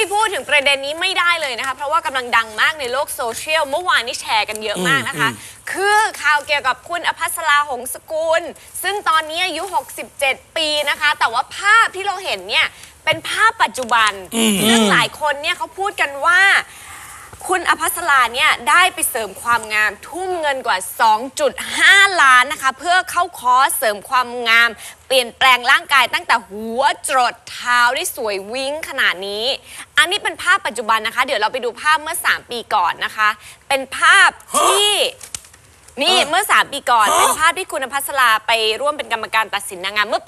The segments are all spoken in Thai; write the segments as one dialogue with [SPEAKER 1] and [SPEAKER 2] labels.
[SPEAKER 1] พูดถึงประเด็นนี้ไม่ได้เลยนะคะเพราะว่ากำลังดังมากในโลกโซเชียลเมื่อวานนี้แชร์กันเยอะมากนะคะคือข่าวเกี่ยวกับคุณอภัสราหงสกุลซึ่งตอนนี้อายุ67 ปีนะคะแต่ว่าภาพที่เราเห็นเนี่ยเป็นภาพปัจจุบันซึ่งหลายคนเนี่ยเขาพูดกันว่าคุณอภัสราเนี่ยได้ไปเสริมความงามทุ่มเงินกว่า 2.5 ล้านนะคะเพื่อเข้าคอร์สเสริมความงามเปลี่ยนแปลงร่างกายตั้งแต่หัวจรดเท้าได้สวยวิ้งขนาดนี้อันนี้เป็นภาพปัจจุบันนะคะเดี๋ยวเราไปดูภาพเมื่อ3 ปีก่อนนะคะเป็นภาพที่นี่เมื่อ3 ปีก่อนเป็นภาพที่คุณอภัสราไปร่วมเป็นกรรมการตัดสินนางงามเมื่อปี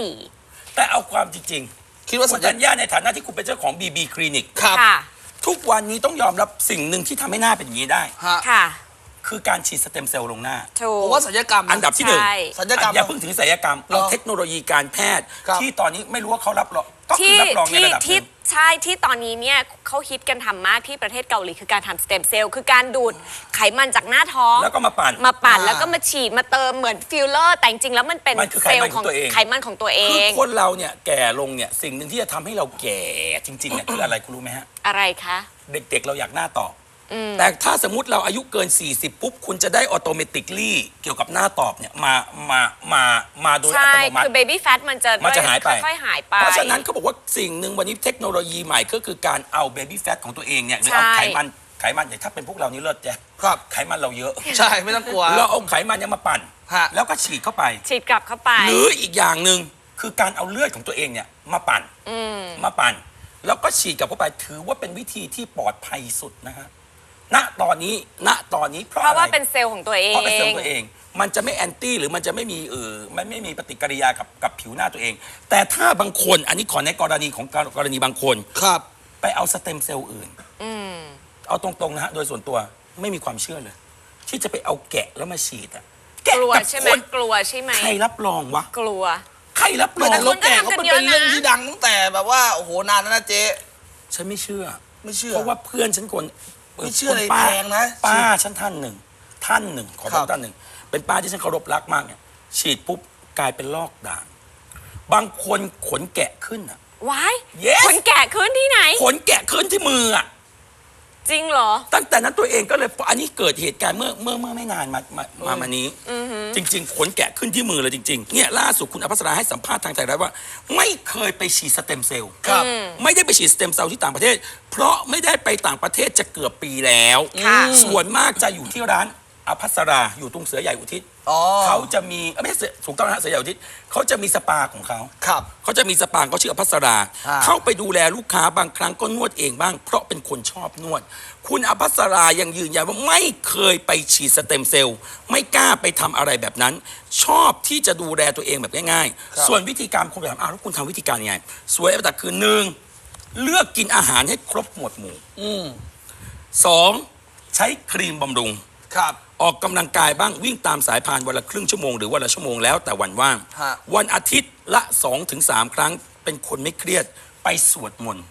[SPEAKER 1] 54
[SPEAKER 2] แต่เอาความจริง
[SPEAKER 3] คิดว่า
[SPEAKER 2] คุณธัญญาในฐานะที่คุณเป็นเจ้าของ BB คลินิก
[SPEAKER 3] ครับ
[SPEAKER 2] ทุกวันนี้ต้องยอมรับสิ่งหนึ่งที่ทำให้หน้าเป็นอย่างนี้ได้
[SPEAKER 1] ค่ะ
[SPEAKER 2] คือการฉีดสเต็มเซลล์ลงหน้า
[SPEAKER 1] ถูก
[SPEAKER 3] เพราะว่าศัลยกรรม
[SPEAKER 2] อันดับที่หนึ่ง
[SPEAKER 3] ศัลยกรรม
[SPEAKER 2] อย่าเพิ่งถึงศัลยกรรมเอาเทคโนโลยีการแพทย์ ที่ตอนนี้ไม่รู้ว่าเขารับรองก็คือรับรองในระดับหนึ่ง
[SPEAKER 1] ใช่ที่ตอนนี้เนี่ยเขาฮิตกันทำมากที่ประเทศเกาหลีคือการทำสเต็มเซลล์คือการดูดไขมันจากหน้าท้อง
[SPEAKER 2] แล้วก็มาปั่น
[SPEAKER 1] แล้วก็มาฉีดมาเติมเหมือนฟิลเลอร์แต่จริงๆแล้วมันเป็นเซลล์ของไขมันของตัวเอ
[SPEAKER 2] งคือคนเราเนี่ยแก่ลงเนี่ยสิ่งหนึ่งที่จะทำให้เราแก่จริงๆเนี่ยคืออะไรคุณรู้ไหมฮะ
[SPEAKER 1] อะไรคะ
[SPEAKER 2] เด็กๆเราอยากหน้าตอบแต่ถ้าสมมุติเราอายุเกิน40ปุ๊บคุณจะได้ออโตเมติกลี่เกี่ยวกับหน้าตอบเนี่ยมาโดยอัตโนมัติ
[SPEAKER 1] คือเบบี้แฟตมันจะ
[SPEAKER 2] หายไป
[SPEAKER 1] ค่อยๆหายไป
[SPEAKER 2] เพราะฉะนั้นเขาบอกว่าสิ่งหนึ่งวันนี้เทคโนโลยีใหม่ก็คือการเอาเบบี้แฟตของตัวเองเนี่ยหรือเอาไขมันอย่างถ้าเป็นพวกเรานี่เลิศแจ๊
[SPEAKER 3] ครับ
[SPEAKER 2] ไขมันเราเยอะ
[SPEAKER 3] ใช่ไม่ต้องกลัว
[SPEAKER 2] เราเอาไขมันเนี่ยมาปั่นแล้วก็ฉีดเข้าไป
[SPEAKER 1] ฉีดกลับเข้าไป
[SPEAKER 2] หรืออีกอย่างหนึ่งคือการเอาเลือดของตัวเองเนี่ยมาปั่นแล้วก็ฉีดกลับเข้าไปถือว่าเป็นวิธีที่ปลอดภัยสุดนะฮะณตอนนี้เพราะ
[SPEAKER 1] ว่าเป็นเซลล์ของตัวเอง
[SPEAKER 2] เพราะเป็นเซลล์ตัวเองมันจะไม่แอนตี้หรือมันจะไม่มีมันไม่มีปฏิกิริยากับผิวหน้าตัวเองแต่ถ้าบางคนอันนี้ขอในกรณีของกรณีบางคน
[SPEAKER 3] ครับ
[SPEAKER 2] ไปเอาสเต็มเซลล์อื่นเอาตรงๆนะฮะโดยส่วนตัวไม่มีความเชื่อเลยที่จะไปเอาแกะแล้วมาฉีดอะแกะกับคน
[SPEAKER 1] กลัวใช่ไหม
[SPEAKER 2] ใครรับรองวะ
[SPEAKER 1] กลัว
[SPEAKER 2] ใครรับรอง
[SPEAKER 3] แต่รถแกะเขาเป็นเรื่องที่ดังตั้งแต่แบบว่าโอ้โหนานแล้วนะเจ๊
[SPEAKER 2] ฉันไม่เชื่อเพราะว่าเพื่อนฉันคน
[SPEAKER 3] ไม่เชื่อเลยแพงนะ
[SPEAKER 2] ป้าฉันท่านหนึ่งขอบอกท่านหนึ่งเป็นป้าที่ฉันเคารพรักมากเนี่ยฉีดปุ๊บกลายเป็นลอกด่างบางคนขนแกะขึ้นอ่ะ
[SPEAKER 1] ว้ายขนแกะขึ้นที่ไหน
[SPEAKER 2] ขนแกะขึ้นที่มืออ่ะ
[SPEAKER 1] จริงเหรอ
[SPEAKER 2] ตั้งแต่นั้นตัวเองก็เลยอันนี้เกิดเหตุการณ์เมื่อไม่นานมานี้จริงๆขนแกะขึ้นที่มือเลยจริงๆเนี่ยล่าสุดคุณอภัสราให้สัมภาษณ์ทางไทยรัฐว่าไม่เคยไปฉีดสเต็มเซลล์ไม่ได้ไปฉีดสเต็มเซลล์ที่ต่างประเทศเพราะไม่ได้ไปต่างประเทศจะเกือบปีแล้วส่วนมากจะอยู่ที่ร้านอภัสราอยู่ตรงเสือใหญ่อุทิศเขาจะมีไม่ใช่ถูกต้องนะเสือใหญ่อุทิศเขาจะมีสปาของเขาเขาจะมีสปาเขาชื่ออภัสราเข้าไปดูแลลูกค้าบางครั้งก็นวดเองบ้างเพราะเป็นคนชอบนวดคุณอภัสรายังยืนยันว่าไม่เคยไปฉีดสเต็มเซลล์ไม่กล้าไปทำอะไรแบบนั้นชอบที่จะดูแลตัวเองแบบง่ายๆส่วนวิธีการคุณถามแล้วคุณทำวิธีการยังไงสวยแต่คือ1เลือกกินอาหารให้ครบหมวดหมู่2ใช้ครีมบำรุงออกกำลังกายบ้างวิ่งตามสายพานวันละครึ่งชั่วโมงหรือวันละชั่วโมงแล้วแต่วันว่างวันอาทิตย์ละ 2-3 ครั้งเป็นคนไม่เครียดไปสวดมนต์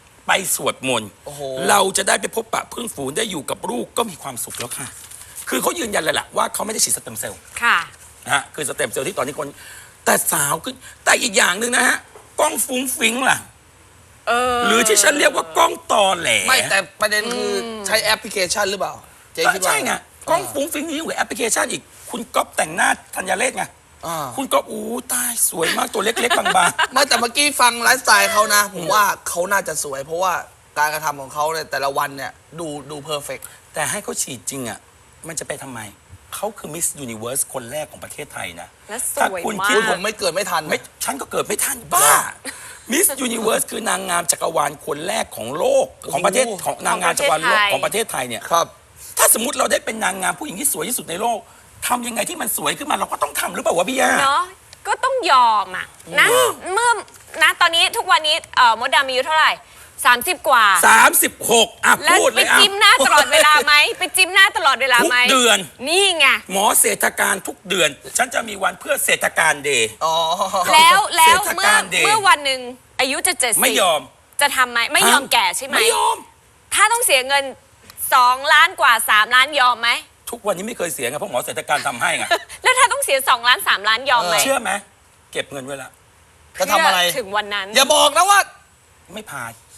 [SPEAKER 2] เราจะได้ไปพบปะเพื่อนฝูงได้อยู่กับลูกก็มีความสุขแล้วค่ะคือเขายืนยันเลยล่ะว่าเขาไม่ได้ฉีดสเต็มเซลล์นะฮะคือสเต็มเซลล์ที่ตอนนี้คนแต่สาวขึ้นแต่อีกอย่างหนึ่งนะฮะกล้องฟุ้งฟิ้งล่ะหรือที่ฉันเรียกว่ากล้องตอแหล
[SPEAKER 3] ไม่แต่ประเด็นคือใช้แอปพลิเคชันหรือเปล่า
[SPEAKER 2] เจ๊คิดว่าใช่ไงกล้องฟุ้งฟิ้งนี่อยู่แอปพลิเคชันอีกคุณก๊อปแต่งหน้าธัญเรศไงคุณก๊อปตายสวยมากตัวเล็กๆบาง
[SPEAKER 3] ๆไม่แต่เมื่อกี้ฟังไลฟ์สไตล์เขานะผมว่าเขาน่าจะสวยเพราะว่าการกระทำของเขาในแต่ละวันเนี่ยดูเพอร์เฟกต์
[SPEAKER 2] แต่ให้เขาฉีดจริงอ่ะมันจะไปทำไมเขาคือมิสยูนิเวิร์สคนแรกของประเทศไทยนะ
[SPEAKER 1] ถ้า
[SPEAKER 3] คุณคิดผมไม่เกิดไม่ทัน
[SPEAKER 2] ฉันก็เกิดไม่ทันบ้ามิสยูนิเวิร์สคือนางงามจักรวาลคนแรกของโลกของประเทศของนางงามจักรวาลโลกของประเทศไทยเนี่ยถ้าสมมติเราได้เป็นนางงามผู้หญิงที่สวยที่สุดในโลกทำยังไงที่มันสวยขึ้นมาเราก็ต้องทำหรือเปล่าวะพี่ย่า
[SPEAKER 1] เนาะก็ต้องยอมอ่ะนะเมื่อนะตอนนี้ทุกวันนี้มดดำอายุเท่าไหร่30 กว่า
[SPEAKER 2] 36อ่ะพูดเลย
[SPEAKER 1] ไปจิ้มหน้าตลอดเวลาไหมไปจิ้มหน้าตลอดเวลาไหม
[SPEAKER 2] ทุกเดือน
[SPEAKER 1] นี่ไง
[SPEAKER 2] หมอเศรษฐการทุกเดือนฉันจะมีวันเพื่อเศรษฐการเดย์
[SPEAKER 1] แล้วเมื่อวันหนึ่งอายุจะ70
[SPEAKER 2] ไม่ยอม
[SPEAKER 1] จะทำไหมไม่ยอมแก่ใช่ไหม
[SPEAKER 2] ไม่ยอม
[SPEAKER 1] ถ้าต้องเสียเงิน2 ล้านกว่า3 ล้านยอมไหม
[SPEAKER 2] ทุกวันนี้ไม่เคยเสียไงเพราะหมอเศรษฐการทำให้ไง
[SPEAKER 1] แล้วถ้าต้องเสีย2 ล้าน3 ล้านยอมไหม
[SPEAKER 2] เชื่อไหมเก็บเงินไว้ละ
[SPEAKER 3] จะทำอะไร
[SPEAKER 1] ถึงวันนั้น
[SPEAKER 3] อย่าบอกนะว่า
[SPEAKER 2] ไม่พา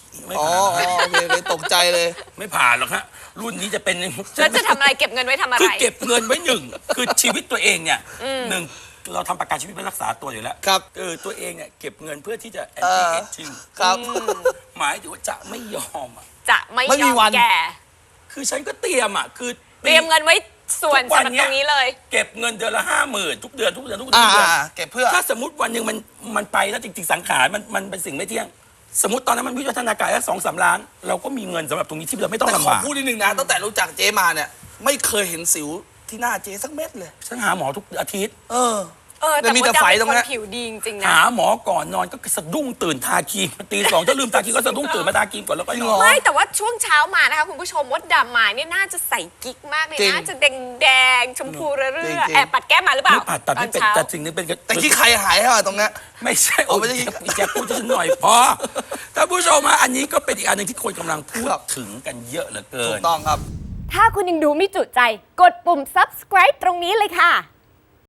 [SPEAKER 2] ไม่
[SPEAKER 3] อ๋อ
[SPEAKER 2] ผ่าน
[SPEAKER 3] โอเคเลยตกใจเลย
[SPEAKER 2] ไม่ผ่านหรอกฮะรุ่นนี้จะเป็น
[SPEAKER 1] แล้วจะทำอะไรเก็บเงินไว้ทำอะไร
[SPEAKER 2] คือเก็บเงินไว้หนึ่งคือชีวิตตัวเองเนี่ยหนึ่งเราทำประกันชีวิตเพื่อรักษาตัวอยู่แล้ว
[SPEAKER 3] ครับ
[SPEAKER 2] ตัวเองเนี่ยเก็บเงินเพื่อที่จะแอน
[SPEAKER 3] เอ
[SPEAKER 2] ตี้
[SPEAKER 3] อ
[SPEAKER 2] เอจจิ้ง
[SPEAKER 3] ครับ
[SPEAKER 2] หมายถึงว่าจะไม่ยอมอ่ะ
[SPEAKER 1] จะไม่
[SPEAKER 3] ไม่
[SPEAKER 1] ย
[SPEAKER 3] มี
[SPEAKER 1] อม
[SPEAKER 3] วัน
[SPEAKER 1] แก่
[SPEAKER 2] คือฉันก็เตรียมอ่ะคือ
[SPEAKER 1] เตรียมเงินไว้ส่วนสำหรับตรงนี้เลย
[SPEAKER 2] เก็บเงินเดือนละ50,000ทุกเดือน
[SPEAKER 3] อ่าเก็บเพื่อ
[SPEAKER 2] ถ้าสมมติวันหนึ่งมันไปแล้วจริงๆสังขารมันเป็นสิ่งไม่เที่ยง สมมติตอนนั้นมันวิวัฒนาการแค่2-3 ล้าน เราก็มีเงินสำหรับตรงนี้ที่เราไม่ต้อง
[SPEAKER 3] แต่ข
[SPEAKER 2] ลำ
[SPEAKER 3] อบ
[SPEAKER 2] าก
[SPEAKER 3] พูดนิดนึงนะตั้งแต่รู้จักเจ๊มาเนี่ย ไม่เคยเห็นสิวที่หน้าเจ๊สักเม็ดเลย
[SPEAKER 2] ฉันหาหมอทุกอาทิตย์
[SPEAKER 1] แต่
[SPEAKER 3] มี
[SPEAKER 1] มด
[SPEAKER 3] แต่
[SPEAKER 1] ดำ
[SPEAKER 3] ไฝ
[SPEAKER 1] เป็น
[SPEAKER 3] ตรง
[SPEAKER 1] คน
[SPEAKER 3] เนี้ย
[SPEAKER 1] ผิวดีจริงๆนะ
[SPEAKER 2] หาหมอก่อนนอนก็สะดุ้งตื่นทาครีมตี2ถ้าลืมทาครีมก็สะดุ้งตื่นมาทาครีมก่อนแล้วก็
[SPEAKER 3] จริ
[SPEAKER 2] น
[SPEAKER 3] งเหร
[SPEAKER 2] อน
[SPEAKER 3] อ
[SPEAKER 1] ไม่แต่ว่าช่วงเช้ามานะคะคุณผู้ชมมดดำมาเนี่ยน่าจะใส่กิ๊กมากเลย
[SPEAKER 3] จริง
[SPEAKER 1] น่าจะแดงๆชมพูเรื่
[SPEAKER 3] จริ
[SPEAKER 1] อง
[SPEAKER 3] ๆ
[SPEAKER 1] ๆแอบปัดแก้มมาหรือเปล่า
[SPEAKER 2] ไม่ผ่าตัด
[SPEAKER 1] ตอ
[SPEAKER 2] ไม่
[SPEAKER 1] น
[SPEAKER 2] เป็น
[SPEAKER 1] เช้า
[SPEAKER 2] แต่สิ่งนึงเป็น
[SPEAKER 3] แต่ที่ใครหายให้มาตรงเนี้ย
[SPEAKER 2] ไม่ใช่
[SPEAKER 3] อ๋อไม่ใช่
[SPEAKER 2] แจ็คพูดฉันหน่อยพอท่านผู้ชมมาอันนี้ก็เป็นอีกอันหนึ่งที่คนกำลังพูด
[SPEAKER 3] ครับ
[SPEAKER 2] ถึงกันเยอะเหลือเกิ
[SPEAKER 3] ถู
[SPEAKER 2] น
[SPEAKER 3] กต้องครับ
[SPEAKER 4] ถ้าคุณยังดูไม่จุใจ กดปุ่ม subscribe ตรงนี้เลยค่ะ